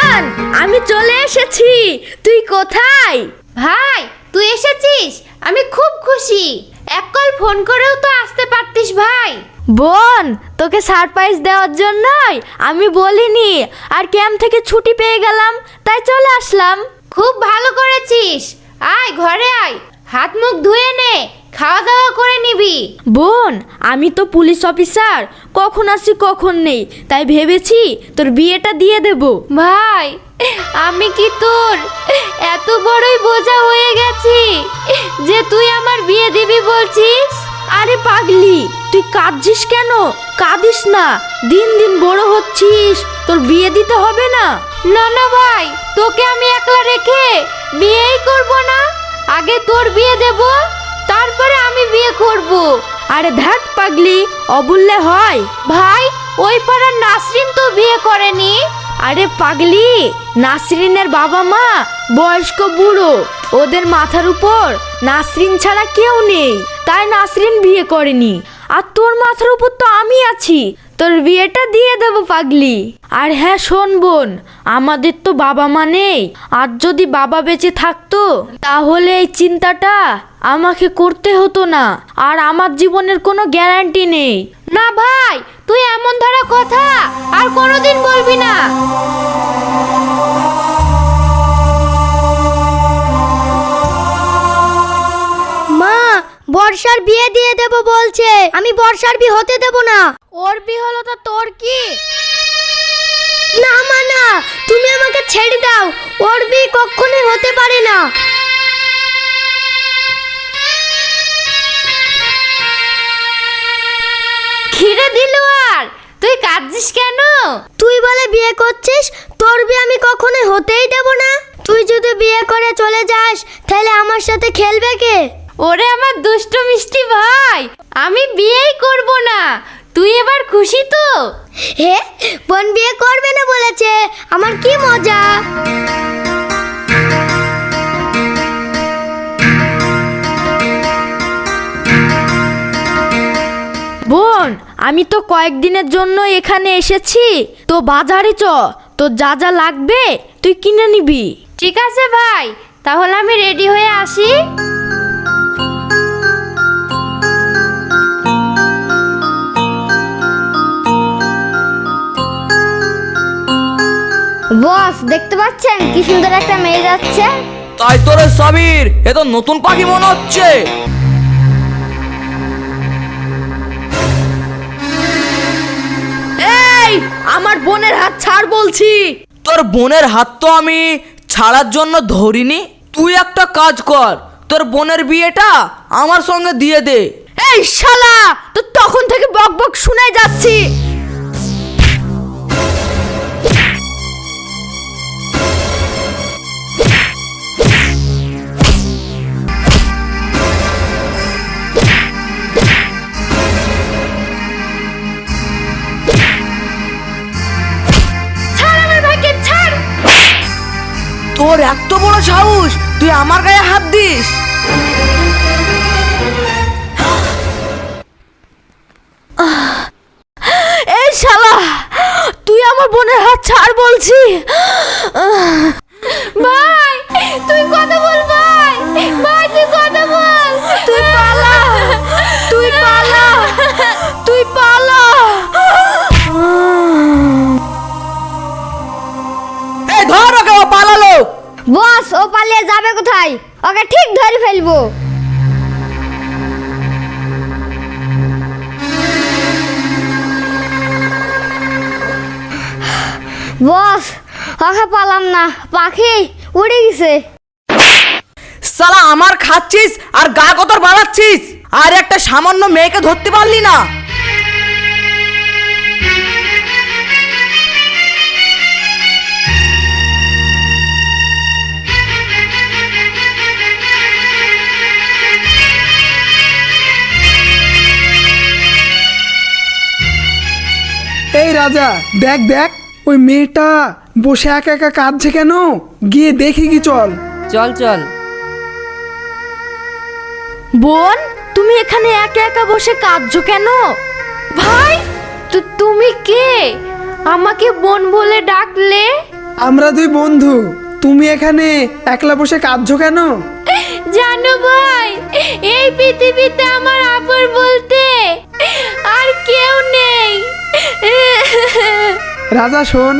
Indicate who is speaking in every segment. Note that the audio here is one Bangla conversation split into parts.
Speaker 1: বোন, আমি চলে এসেছি। তুই কোথায়?
Speaker 2: ভাই তুই এসেছিস, আমি খুব খুশি। এক কল ফোন করেও তো আসতে পারতিস ভাই।
Speaker 1: বোন, তোকে সারপ্রাইজ দেওয়ার জন্যই আমি বলিনি, আর ক্যাম্প থেকে ছুটি পেয়ে গেলাম, তাই চলে আসলাম।
Speaker 2: খুব ভালো করেছিস। আয় ঘরে আয়, হাত মুখ ধুয়ে নে, খাওয়া দাওয়া করে নিবি।
Speaker 1: বোন, আমি তো পুলিশ অফিসার, কখন আসি কখন নেই, তাই ভেবেছি তোর বিয়েটা দিয়ে দেব।
Speaker 2: ভাই আমি কি তোর এত বড়ই বোঝা হয়ে গেছি যে তুই আমার বিয়ে দিবি বলছিস?
Speaker 1: আরে পাগলি, তুই কাঁদছিস কেন? কাঁদিস না, দিন দিন বড় হচ্ছিস, তোর বিয়ে দিতে হবে না।
Speaker 2: না না ভাই, তোকে আমি একলা রেখে বিয়েই করব না। আগে তোর বিয়ে দেব, তারপরে আমি বিয়ে করব।
Speaker 1: আরে ধ্যাট পাগলি, অবুল্লে হয়?
Speaker 2: ভাই ওই পাড়ার নাসরিন তো বিয়ে করেনি।
Speaker 1: আরে পাগলি, নাসরিনের বাবা মা বয়স্ক বুড়ো, ওদের মাথার উপর নাসরিন ছাড়া কেউ নেই, তাই নাসরিন বিয়ে করেনি। আর তোর মাথার উপর তো আমি আছি, তোর বিয়েটা দিয়ে দেব পাগলি। আর হ্যাঁ শোন বোন, আমাদের তো বাবা মা নেই, আর যদি বাবা বেঁচে থাকতো তাহলে এই চিন্তাটা আমাকে করতে হতো না, আর আমার জীবনের কোনো গ্যারান্টি নেই।
Speaker 2: না ভাই, তুই এমন ধরা কথা আর কোনোদিন বলবি না।
Speaker 3: মা, বর্ষার বিয়ে দিয়ে দেব বলছে, আমি বর্ষার বিয়ে হতে দেব না।
Speaker 1: ওর বিয়ে হলো তো তোর কি?
Speaker 3: না মা না, তুমি আমাকে ছেড়ে দাও, ওর বিয়ে কখনোই হতে পারে না।
Speaker 2: খিরে দিল, আর তুই কাঁদছিস কেন?
Speaker 3: তুই বলে বিয়ে করছিস, তোর বিয়ে আমি কখনোই হতেই দেব না। তুই যদি বিয়ে করে চলে যাস, তাহলে আমার সাথে খেলবে কে?
Speaker 2: ওরে আমার দুষ্ট মিষ্টি ভাই, আমি বিয়েই করব না। তুই এবার খুশি তো?
Speaker 3: হে, বোন বিয়ে করবে না বলেছে, আমার কি মজা।
Speaker 1: বোন, আমি তো কয়েকদিনের জন্য এখানে এসেছি, তো বাজারে চ, তোর যা যা লাগবে তুই কিনে নিবি।
Speaker 2: ঠিক আছে ভাই, তাহলে আমি রেডি হয়ে আসি।
Speaker 3: বস দেখতে পাচ্ছেন কি সুন্দর একটা মেয়ে যাচ্ছে?
Speaker 4: তাই তোরে সাবির, এ তো নতুন পাখি মনে হচ্ছে।
Speaker 1: এই, আমার বোনের হাত ছাড় বলছি।
Speaker 4: তোর বোনের হাত তো আমি ছাড়ার জন্য ধরিনি। তুই একটা কাজ কর, তোর বোনের বিয়েটা আমার সঙ্গে দিয়ে দে।
Speaker 1: এই শালা, তো তখন থেকে বক বক শুনে যাচ্ছি।
Speaker 4: তোর এত বড় সাহস, তুই আমার গায়ে হাত দিস?
Speaker 1: এই শালা, তুই আমার বোনের হাত ছাড় বলছি।
Speaker 2: ভাই তুই কথা বল, ভাই ভাই তুই কথা বল।
Speaker 1: তুই পালা, তুই পালা, তুই পালা।
Speaker 4: এই ধর ওকে, ও পালালো।
Speaker 3: বস, ও পালিয়ে যাবে কোথায়? ওকে ঠিক ধরে ফেলবো। বস, ওকে পালাম না, পাখি উড়ে গেছে।
Speaker 4: সালা আমার খাচ্ছিস আর গা কতর বাড়াচ্ছিস, আর একটা সামান্য মেয়েকে ধরতে পারলি না?
Speaker 5: এই রাজা, দেখ দেখ, ওই মেয়েটা বসে একা একা কাঁদছে কেন? গিয়ে দেখি কি, চল।
Speaker 4: চল চল।
Speaker 1: বোন, তুমি এখানে একা একা বসে কাঁদছো কেন?
Speaker 2: ভাই তুমি কে? আমাকে বোন বলে ডাকলে?
Speaker 5: আমরা দুই বন্ধু, তুমি এখানে একলা বসে কাঁদছো কেন?
Speaker 2: জানো ভাই, এই পৃথিবীতে আমার আপন বলতে আর কেউ নেই।
Speaker 5: রাজা শোন,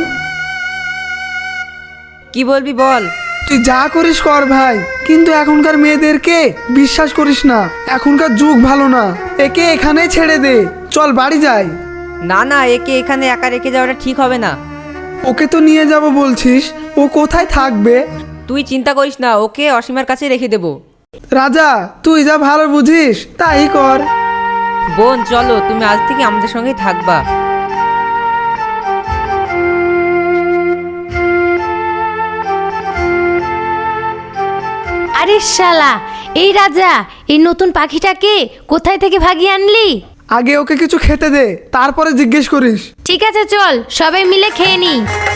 Speaker 6: কি বলবি বল।
Speaker 5: তুই যা করিস কর ভাই, কিন্তু এখনকার মেয়েদেরকে বিশ্বাস করিস না। এখনকার যুগ ভালো না, একে এখানেই ছেড়ে দে। চল বাড়ি যাই।
Speaker 6: না না, একে এখানে একা রেখে যাওয়াটা ঠিক হবে না।
Speaker 5: ওকে তো নিয়ে যাব বলছিস, ও কোথায় থাকবে?
Speaker 6: তুই চিন্তা করিস না, ওকে অসীমার কাছে রেখে দেবো।
Speaker 5: রাজা তুই যা ভালো বুঝিস তাই কর।
Speaker 6: বোন চলো, তুমি আজ থেকে আমাদের সঙ্গেই থাকবা।
Speaker 2: আরে শালা, এই রাজা, এই নতুন পাখিটাকে কোথায় থেকে ভাগিয়ে আনলি?
Speaker 5: আগে ওকে কিছু খেতে দে, তারপরে জিজ্ঞেস করিস।
Speaker 2: ঠিক আছে চল, সবাই মিলে খেয়ে নি।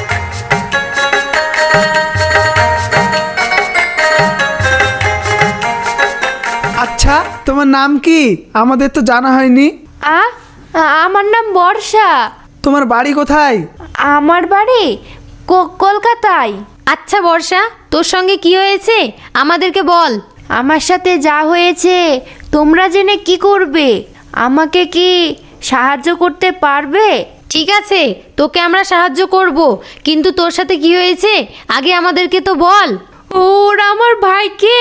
Speaker 5: আচ্ছা তোমার নাম কি? আমাদের তো জানা হয়নি।
Speaker 2: আমার নাম বর্ষা।
Speaker 5: তোমার বাড়ি কোথায়?
Speaker 2: আমার বাড়ি কলকাতায়। আচ্ছা বর্ষা, তোর সঙ্গে কি হয়েছে আমাদেরকে বল। আমার সাথে যা হয়েছে তোমরা জেনে কি করবে? আমাকে কি সাহায্য করতে পারবে? ঠিক আছে, তোকে আমরা সাহায্য করব, কিন্তু তোর সাথে কি হয়েছে আগে আমাদেরকে তো বল। ওরা আমার ভাইকে।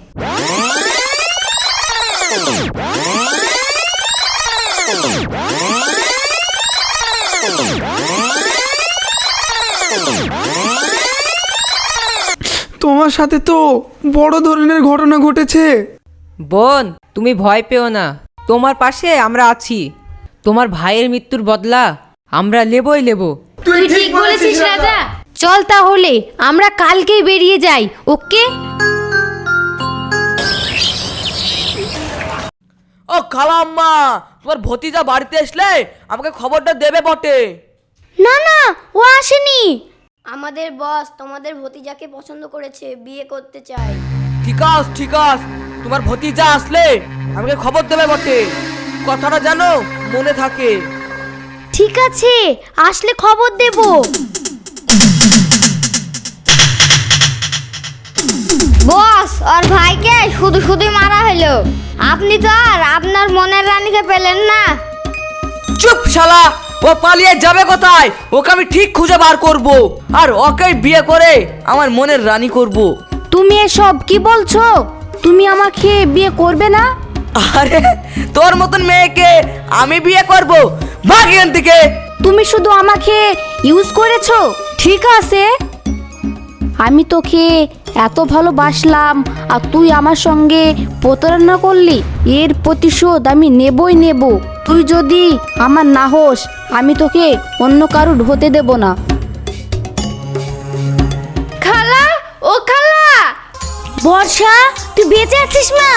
Speaker 5: তোমার সাথে তো বড় ধরনের ঘটনা ঘটেছে।
Speaker 6: বোন তুমি ভয় পেও না, তোমার পাশে আমরা আছি। তোমার ভাইয়ের মৃত্যুর বদলা আমরা নেবই নেব।
Speaker 2: তুই ঠিক বলেছিস রাজা। চল তাহলে আমরা কালকেই বেরিয়ে যাই। ওকে।
Speaker 4: ও খালাম্মা, তোমার ভতিজা বাড়িতে আসলে আমাকে খবরটা দেবে বটে।
Speaker 3: না না, ও আসেনি। আমাদের বস তোমাদের ভতিজাকে পছন্দ করেছে, বিয়ে করতে চায়।
Speaker 4: ঠিক আছে ঠিক আছে, তোমার ভতিজা আসলে আমাকে খবর দেবে বটে। কথাটা জানো মনে থাকে।
Speaker 3: ঠিক আছে, আসলে খবর দেব। বস, ওর ভাইকে শুধু শুধুই মারা হলো। আপনি তো আর আপনার মনের রানীকে পেলেন না।
Speaker 4: চুপ শালা, ও পালিয়ে যাবে কোথায়? ওকে আমি ঠিক খুঁজে বার করব, আর ওকেই বিয়ে করে আমার মনের রানী করব।
Speaker 1: তুমি এসব কি বলছো? তুমি আমাকে বিয়ে করবে না?
Speaker 4: আরে তোর মতন মেয়েকে আমি বিয়ে করব? ভাগ এখান থেকে।
Speaker 1: তুমি শুধু আমাকে ইউজ করেছো। ঠিক আছে, আমি তোকে এত ভালোবাসলাম আর তুই আমার সঙ্গে প্রতারণা করলি। এর প্রতিশোধ আমি নেবই নেব। তুই যদি আমার না হোস, আমি তোকে অন্য কারুর হতে দেব না।
Speaker 2: খালা, ও খালা।
Speaker 3: বর্ষা, তুই বেঁচে আছিস মা?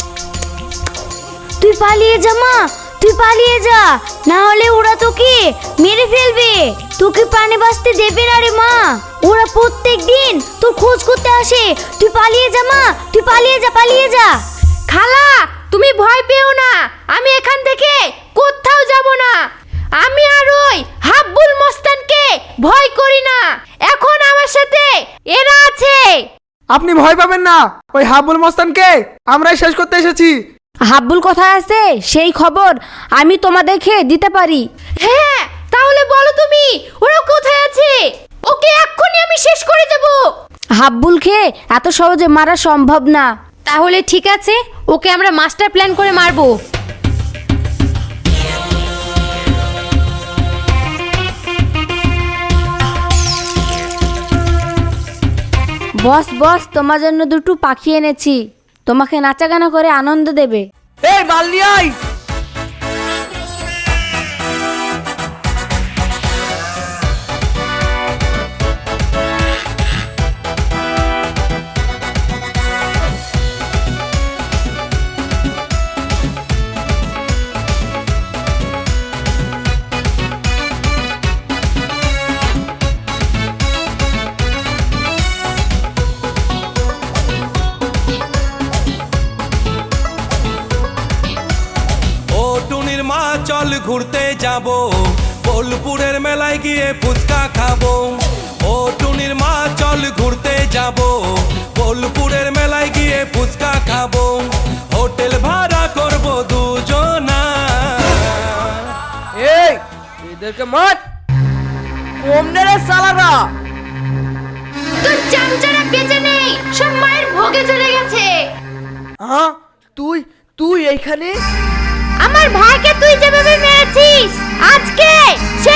Speaker 3: তুই পালিয়ে যা মা, তুই পালিয়ে যা, না হলে ওরা তোকে মেরে ফেলবে। তোকে প্রাণে বাঁচতে দেবে না রে মা। ওরা প্রত্যেক দিন তোর খোঁজ করতে আসে। তুই পালিয়ে যা মা, তুই পালিয়ে যা, পালিয়ে যা।
Speaker 2: খালা, তুমি ভয় পেও না, আমি এখান থেকে কোথাও যাব না। আমি আর ওই হাব্বুল মস্তানকে ভয় করি না। এখন আমার সাথে এরা আছে।
Speaker 5: আপনি ভয় পাবেন না, ওই হাবুল মস্তানকে আমরাই শেষ করতে এসেছি।
Speaker 1: হাব্বুল কোথায় আছে সেই খবর আমি তোমাদেরকে দিতে পারি।
Speaker 2: হ্যাঁ, তাহলে বলো তুমি, ওরা কোথায় আছে? ওকে এক্ষুনি আমি শেষ করে দেব।
Speaker 1: হাব্বুলকে এত সহজে মারা সম্ভব না।
Speaker 2: তাহলে ঠিক আছে, ওকে আমরা মাস্টার প্ল্যান করে মারবো।
Speaker 1: বস বস, তোমার জন্য দুটো পাখি এনেছি, তোমাকে নাচাগানা করে আনন্দ দেবে।
Speaker 4: এই মাল নিয়ে আয়।
Speaker 7: চল ঘুরতে যাব, বোলপুরের মেলায় গিয়ে ফুচকা খাবো। ও টুনির মা চল ঘুরতে যাব, বোলপুরের মেলায় গিয়ে ফুচকা খাবো, হোটেল ভাড়া করব দুজনা।
Speaker 4: এই এদেরকে মার, কম নে রে সালারা।
Speaker 2: তোর চামচারা বেঁচে নেই, সব মায়ের ভোগে চলে গেছে।
Speaker 4: হ্যাঁ তুই তুই এইখানে?
Speaker 2: আমার ভাইকে তুই যেভাবে মেরেছিস, আজকে সে